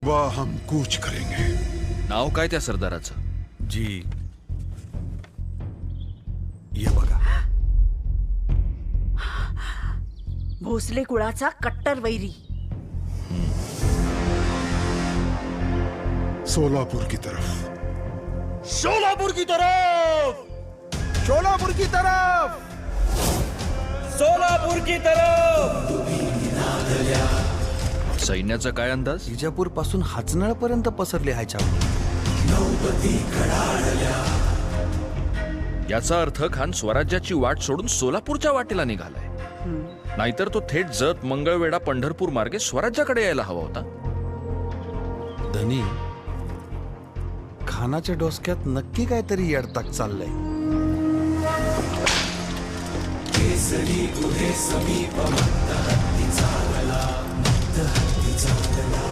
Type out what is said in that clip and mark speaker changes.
Speaker 1: वा हम कूच करेंगे।
Speaker 2: नाव काय त्या सरदाराचं?
Speaker 3: जी ये बघा,
Speaker 4: भोसले कुळाचा कट्टर वैरी।
Speaker 1: सोलापुर की तरफ।
Speaker 3: सोलापुर की तरफ, सोलापुर की तरफ, सोलापुर की तरफ।
Speaker 2: सैन्याचा काय अंदाज?
Speaker 3: विजापूर पासून हाचनळ पर्यंत पसरले आहे छावणी।
Speaker 2: याचा अर्थ खान स्वराज्याची वाट सोडून सोलापूरच्या वाटेला निघालाय। नाहीतर तो थेट जत, मंगळवेढा, पंढरपूर मार्गे स्वराज्याकडे यायला हवा होता।
Speaker 3: धनी, खानाच्या डोसक्यात नक्की काहीतरी येडताक चाललंय। केसरी गुहे समीप